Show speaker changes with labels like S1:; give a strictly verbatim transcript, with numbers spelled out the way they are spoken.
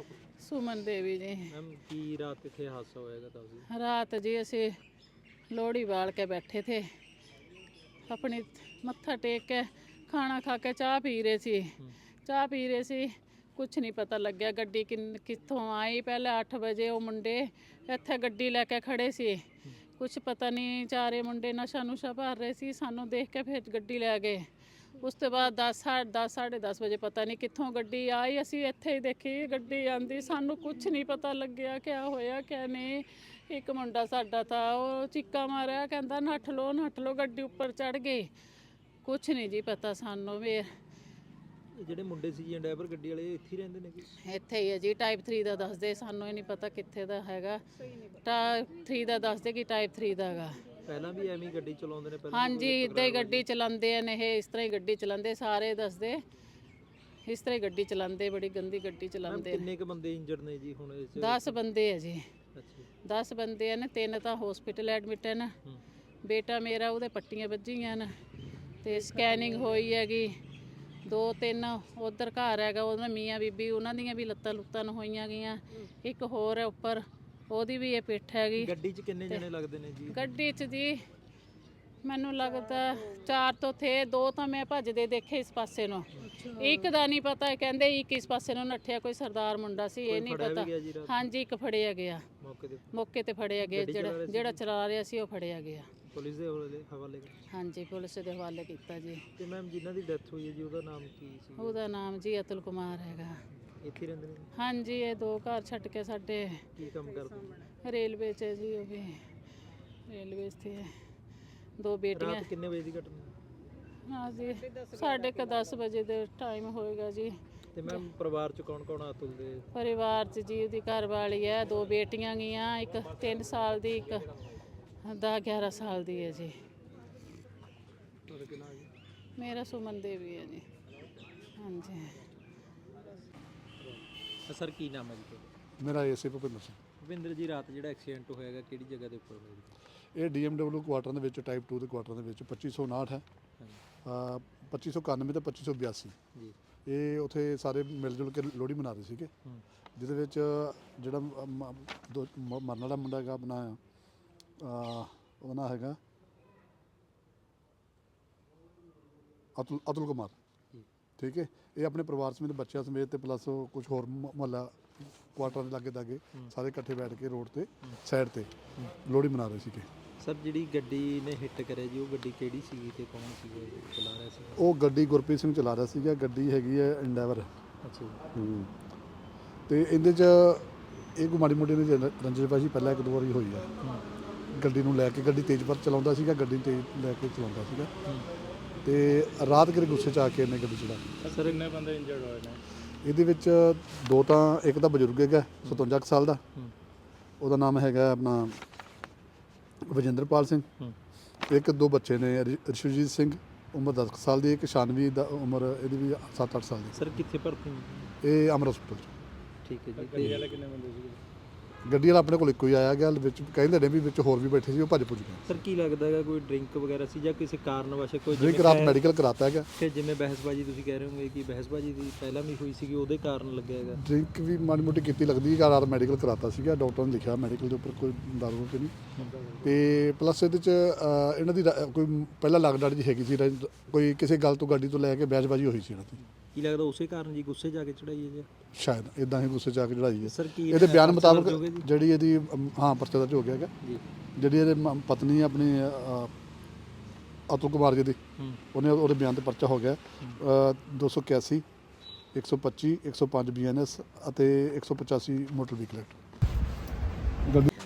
S1: ਸੁਮਨ ਦੇਵੀ ਜੀ।
S2: ਮੈਮ ਕੀ ਰਾਤ ਕਿੱਥੇ ਹਾਦਸਾ ਹੋਏਗਾ ਦੱਸ
S1: ਰਾਤ ਜੀ ਅਸੀਂ ਲੋਹੜੀ ਬਾਲ ਕੇ ਬੈਠੇ थे अपनी मत्था टेक के खाना खा के चाह पी रहे सी चाह पी रहे सी कुछ नहीं पता लग्या गड्डी किन कित्थों आई। पहले अठ बजे वो मुंडे इत्थे गड्डी लैके खड़े सी कुछ पता नहीं चारे मुंडे नशा नुशा भर रहे सी सानू देख के फिर गड्डी लै गए। उस तो बाद दस साढ़े दस साढ़े दस बजे पता नहीं कित्थों गड्डी आई असी इत्थे ही देखी गड्डी आंदी सानू कुछ नहीं पता लग्या क्या होया क्या नहीं। एक मुंडा साडा था वो चिक्का मारिया कहंदा नठ लो नठ लो गड्डी उपर चढ़ गई कुछ नहीं जी पता सानू भी।
S2: ਜਿਹੜੇ ਮੁੰਡੇ ਸੀ ਜੀ ਡਰਾਈਵਰ ਗੱਡੀ ਵਾਲੇ ਇੱਥੇ ਹੀ ਰਹਿੰਦੇ ਨੇ ਕਿ
S1: ਇੱਥੇ ਹੀ ਹੈ ਜੀ ਟਾਈਪ ਥ੍ਰੀ ਦਾ ਦੱਸਦੇ ਸਾਨੂੰ ਇਹ ਨਹੀਂ ਪਤਾ ਕਿੱਥੇ ਦਾ ਹੈਗਾ। ਟਾਈਪ ਥ੍ਰੀ ਦਾ ਦੱਸਦੇ ਕਿ ਟਾਈਪ ਥ੍ਰੀ ਦਾ ਹੈਗਾ।
S2: ਪਹਿਲਾਂ ਵੀ ਐਵੇਂ ਹੀ ਗੱਡੀ ਚਲਾਉਂਦੇ ਨੇ ਪਹਿਲਾਂ
S1: ਹਾਂਜੀ ਇੱਦਾਂ ਹੀ ਗੱਡੀ ਚਲਾਉਂਦੇ ਨੇ ਇਹ ਇਸ ਤਰ੍ਹਾਂ ਹੀ ਗੱਡੀ ਚਲਾਉਂਦੇ ਸਾਰੇ ਦੱਸਦੇ ਇਸ ਤਰ੍ਹਾਂ ਹੀ ਗੱਡੀ ਚਲਾਉਂਦੇ ਬੜੀ ਗੰਦੀ ਗੱਡੀ ਚਲਾਉਂਦੇ।
S2: ਕਿੰਨੇ ਕ ਬੰਦੇ ਇੰਜਰਡ ਨੇ ਜੀ ਹੁਣ ਇਸ
S1: ਦਸ ਬੰਦੇ ਹੈ ਜੀ।
S2: ਅੱਛਾ
S1: ਦਸ ਬੰਦੇ ਨੇ ਤਿੰਨ ਤਾਂ ਹਸਪੀਟਲ ਐਡਮਿਟ ਹਨ। ਬੇਟਾ ਮੇਰਾ ਉਹਦੇ ਪੱਟੀਆਂ ਵੱਜੀਆਂ ਨੇ ਤੇ ਸਕੈਨਿੰਗ ਹੋਈ ਹੈਗੀ। ਦੋ ਤਿੰਨ ਉਧਰ ਘਰ ਹੈਗਾ ਉਹਨਾਂ ਮੀਆਂ ਬੀਬੀ ਉਹਨਾਂ ਦੀਆਂ ਵੀ ਲੱਤਾਂ ਲੁੱਤਾਂ ਹੋਈਆਂ ਗਈਆਂ। ਇੱਕ ਹੋਰ ਹੈ ਉੱਪਰ ਉਹਦੀ ਵੀ ਇਹ ਪਿੱਠ ਹੈਗੀ।
S2: ਗੱਡੀ 'ਚ ਕਿੰਨੇ ਜਣੇ ਲੱਗਦੇ ਨੇ ਜੀ?
S1: ਗੱਡੀ 'ਚ ਜੀ ਮੈਨੂੰ ਲੱਗਦਾ ਚਾਰ ਤੋਂ ਥੇ ਦੋ ਤਾਂ ਮੈਂ ਭੱਜਦੇ ਦੇਖੇ ਇਸ ਪਾਸੇ ਨੂੰ ਇੱਕ ਦਾ ਨਹੀਂ ਪਤਾ ਕਹਿੰਦੇ ਇੱਕ ਇਸ ਪਾਸੇ ਨੂੰ ਨੱਠਿਆ ਕੋਈ ਸਰਦਾਰ ਮੁੰਡਾ ਸੀ ਇਹ ਨਹੀਂ ਪਤਾ। ਹਾਂਜੀ ਇੱਕ ਫੜਿਆ ਗਿਆ
S2: ਮੌਕੇ ਤੇ
S1: ਮੌਕੇ ਤੇ ਫੜਿਆ ਗਿਆ ਜਿਹੜਾ ਜਿਹੜਾ ਚਲਾ ਰਿਹਾ ਸੀ ਉਹ ਫੜਿਆ ਗਿਆ।
S2: ਪੁਲਿਸ ਦੇ ਹਵਾਲੇ
S1: ਹਾਂਜੀ ਪੁਲਿਸ ਦੇ ਹਵਾਲੇ ਕੀਤਾ ਜੀ।
S2: ਤੇ ਮੈਮ ਜਿਨ੍ਹਾਂ ਦੀ ਡੈਥ ਹੋਈ ਹੈ ਜੀ ਉਹਦਾ ਨਾਮ ਕੀ ਸੀ?
S1: ਉਹਦਾ ਨਾਮ ਜੀ ਅਤੁਲ ਕੁਮਾਰ ਹੈਗਾ।
S2: ਇੱਥੇ ਰਹਿੰਦੇ ਨੇ? ਹਾਂਜੀ
S1: ਇਹ ਦੋ ਘਰ ਛੱਡ ਕੇ ਸਾਡੇ
S2: ਕੀ ਕੰਮ ਕਰਦੇ?
S1: ਰੇਲਵੇ 'ਚ ਹੈ ਜੀ ਉਹ ਵੀ ਰੇਲਵੇ 'ਤੇ ਹੈ। ਦੋ ਬੇਟੀਆਂ।
S2: ਰਾਤ ਕਿੰਨੇ ਵਜੇ ਦੀ ਘਟਨਾ?
S1: ਹਾਂ ਜੀ ਸਾਢੇ ਕੁ ਦਸ ਵਜੇ ਦੇ ਟਾਈਮ ਹੋਏਗਾ ਜੀ।
S2: ਤੇ ਮੈਮ ਪਰਿਵਾਰ 'ਚ ਕੌਣ ਕੌਣ ਆ ਅਤੁਲ ਦੇ?
S1: ਪਰਿਵਾਰ 'ਚ ਜੀ ਉਹਦੀ ਘਰ ਵਾਲੀ ਹੈ ਦੋ ਬੇਟੀਆਂ ਗਈਆਂ ਇੱਕ ਤਿੰਨ ਸਾਲ ਦੀ ਇੱਕ ਦਸ ਗਿਆਰਾਂ ਸਾਲ ਦੀ ਹੈ ਜੀ। ਮੇਰਾ ਸੁਮਨ ਦੇਵੀ ਹੈ ਜੀ। ਹਾਂਜੀ
S2: ਸਰ ਕੀ ਨਾਮ ਹੈ ਜੀ?
S3: ਮੇਰਾ ਏਸੇ ਭੁਪਿੰਦਰ ਸਿੰਘ।
S2: ਭੁਪਿੰਦਰ ਜੀ ਰਾਤ ਜਿਹੜਾ ਐਕਸੀਡੈਂਟ ਹੋਇਆਗਾ ਕਿਹੜੀ ਜਗ੍ਹਾ ਦੇ ਉੱਪਰ ਹੋਇਆ ਜੀ?
S3: ਇਹ ਡੀਐਮਡਬਲਿਊ ਕੁਆਟਰ ਦੇ ਵਿੱਚ ਟਾਈਪ ਟੂ ਦੇ ਕੁਆਟਰ ਦੇ ਵਿੱਚ ਪੱਚੀ ਸੌ ਉਨਾਹਠ ਹੈ ਪੱਚੀ ਸੌ ਇਕਾਨਵੇਂ ਤੇ ਪੱਚੀ ਸੌ ਬਿਆਸੀ
S2: ਜੀ। ਇਹ
S3: ਉੱਥੇ ਸਾਰੇ ਮਿਲ ਜੁਲ ਕੇ ਲੋਹੜੀ ਮਨਾ ਰਹੇ ਸੀਗੇ ਜਿਹਦੇ ਵਿੱਚ ਜਿਹੜਾ ਮ- ਦੋ- ਮ- ਮਰਨ ਵਾਲਾ ਮੁੰਡਾ ਹੈਗਾ ਆਪਣਾ ਉਹਦਾ ਨਾਂ ਹੈਗਾ ਅਤੁਲ ਅਤੁਲ ਕੁਮਾਰ ਠੀਕ ਹੈ। ਇਹ ਆਪਣੇ ਪਰਿਵਾਰ ਸਮੇਤ ਬੱਚਿਆਂ ਸਮੇਤ ਤੇ ਪਲੱਸ ਕੁਝ ਹੋਰ ਮੁਹੱਲਾ ਕੁਆਟਰਾਂ ਦੇ ਲਾਗੇ ਦਾਗੇ ਸਾਰੇ ਇਕੱਠੇ ਬੈਠ ਕੇ ਰੋਡ ਤੇ ਸਾਈਡ ਤੇ ਲੋਹੜੀ ਮਨਾ ਰਹੇ ਸੀਗੇ।
S2: ਸਰ ਜਿਹੜੀ ਗੱਡੀ ਨੇ ਹਿੱਟ ਕਰਿਆ ਜੀ ਉਹ ਗੱਡੀ ਕਿਹੜੀ ਸੀਗੀ ਤੇ ਕੌਣ ਸੀਗਾ ਚਲਾ ਰਿਹਾ ਸੀ?
S3: ਉਹ ਗੱਡੀ ਗੁਰਪ੍ਰੀਤ ਸਿੰਘ ਚਲਾ ਰਿਹਾ ਸੀਗਾ। ਗੱਡੀ ਹੈਗੀ ਹੈ ਇੰਡੈਵਰ।
S2: ਅੱਛਾ
S3: ਹੂੰ ਤੇ ਇਹਦੇ 'ਚ ਇਹ ਕੋਈ ਮਾੜੀ ਮੋਟੀ ਦੀ ਰੰਜਨਬਾਜ਼ੀ ਪਹਿਲਾਂ ਇੱਕ ਦੋ ਵਾਰੀ ਹੋਈ ਆ। ਗੱਡੀ ਨੂੰ ਲੈ ਕੇ ਗੱਡੀ ਤੇਜ਼ ਪਰ ਚਲਾਉਂਦਾ ਸੀਗਾ ਗੱਡੀ ਤੇਜ਼ ਲੈ ਕੇ ਚਲਾਉਂਦਾ ਸੀਗਾ ਤੇ ਰਾਤ ਕਿਰੇ ਗੁੱਸੇ 'ਚ ਆ ਕੇ ਇਹਨੇ ਗੱਡੀ ਚਲਾਈ।
S2: ਸਰ ਕਿੰਨੇ ਬੰਦੇ ਇੰਜਰਡ ਹੋਏ ਨੇ?
S3: ਇਹਦੇ ਵਿੱਚ ਦੋ ਤਾਂ ਇੱਕ ਤਾਂ ਬਜ਼ੁਰਗ ਹੈਗਾ ਸਤਵੰਜਾ ਕੁ ਸਾਲ ਦਾ ਉਹਦਾ ਨਾਮ ਹੈਗਾ ਆਪਣਾ ਵਜਿੰਦਰਪਾਲ ਸਿੰਘ। ਇੱਕ ਦੋ ਬੱਚੇ ਨੇ ਰਿਸ਼ਵਜੀਤ ਸਿੰਘ ਉਮਰ ਦਸ ਸਾਲ ਦੀ ਇੱਕ ਸ਼ਾਨਵੀ ਦਾ ਉਮਰ ਇਹਦੀ ਵੀ ਸੱਤ ਅੱਠ ਸਾਲ ਦੀ।
S2: ਸਰ ਕਿੱਥੇ ਭਰਤੀ?
S3: ਇਹ ਅਮਰ ਹਸਪੀਟਲ 'ਚ।
S2: ਠੀਕ ਹੈ ਜੀ। ਗੱਡੀ ਵਾਲੇ ਕਿੰਨੇ ਬੰਦੇ ਸੀਗੇ?
S3: ਗੱਡੀ ਵਾਲਾ ਆਪਣੇ ਕੋਲ ਇੱਕੋ ਹੀ ਆਇਆ ਗਿਆ ਵਿੱਚ ਕਹਿੰਦੇ ਨੇ ਵੀ ਵਿੱਚ ਹੋਰ ਵੀ ਬੈਠੇ ਸੀ ਉਹ ਭੱਜ ਭੁੱਜ ਗਏ।
S2: ਸਰ ਕੀ ਲੱਗਦਾ ਹੈਗਾ ਕੋਈ ਡਰਿੰਕ ਵਗੈਰਾ ਸੀ ਜਾਂ ਕਿਸੇ ਕਾਰਨ ਵਾਸਤੇ ਕੋਈ
S3: ਡਰਿੰਕ ਰਾਤ ਮੈਡੀਕਲ ਕਰਾਤਾ ਹੈਗਾ।
S2: ਫਿਰ ਜਿਵੇਂ ਬਹਿਸਬਾਜੀ ਤੁਸੀਂ ਕਹਿ ਰਹੇ ਹੋਗੇ ਕਿ ਬਹਿਸਬਾਜੀ ਦੀ ਪਹਿਲਾਂ ਵੀ ਹੋਈ ਸੀਗੀ ਉਹਦੇ ਕਾਰਨ ਲੱਗਿਆ ਹੈਗਾ?
S3: ਡਰਿੰਕ ਵੀ ਮਾੜੀ ਮੋਟੀ ਕੀਤੀ ਲੱਗਦੀ ਹੈ। ਰਾਤ ਮੈਡੀਕਲ ਕਰਾਤਾ ਸੀਗਾ ਡਾਕਟਰ ਨੇ ਲਿਖਿਆ ਮੈਡੀਕਲ ਦੇ ਉੱਪਰ ਕੋਈ ਦਾਰੂ ਤੇ ਨਹੀਂ ਤੇ ਪਲੱਸ ਇਹਦੇ 'ਚ ਇਹਨਾਂ ਦੀ ਕੋਈ ਪਹਿਲਾਂ ਲੱਗਦਾ ਜੀ ਹੈਗੀ ਸੀ ਕੋਈ ਕਿਸੇ ਗੱਲ ਤੋਂ ਗੱਡੀ ਤੋਂ ਲੈ ਕੇ ਬਹਿਸਬਾਜੀ ਹੋਈ ਸੀ ਇਹਨਾਂ ਦੀ।
S2: ਕੀ ਲੱਗਦਾ ਉਸੇ ਕਾਰਨ ਜੀ ਗੁੱਸੇ ਜਾ ਕੇ ਚੜਾਈ ਹੈ ਜੀ?
S3: ਸ਼ਾਇਦ ਇਦਾਂ ਹੀ ਗੁੱਸੇ 'ਚ ਆ ਕੇ ਚੜਾਈ ਹੈ।
S2: ਸਰ ਕੀ
S3: ਇਹਦੇ ਬਿਆਨ ਮੁਤਾਬਕ ਜਿਹੜੀ ਇਹਦੀ ਹਾਂ ਪਰਚਾ ਦਰਜ ਹੋ ਗਿਆ ਹੈਗਾ
S2: ਜੀ।
S3: ਜਿਹੜੀ ਇਹਦੇ ਪਤਨੀ ਆਪਣੀ ਅਤੁਲ ਕੁਮਾਰ ਜੀ ਦੀ ਉਹਨੇ ਉਹਦੇ ਬਿਆਨ ਤੇ ਪਰਚਾ ਹੋ ਗਿਆ ਦੋ ਸੌ ਇਕਿਆਸੀ ਇੱਕ ਸੌ ਪੱਚੀ ਇੱਕ ਸੌ ਪੰਜ ਬੀ ਐਨ ਐਸ ਅਤੇ ਇੱਕ ਸੌ ਪਚਾਸੀ ਮੋਟਰ ਵਹੀਕਲ ਐਕਟ। ਗੱਡੀ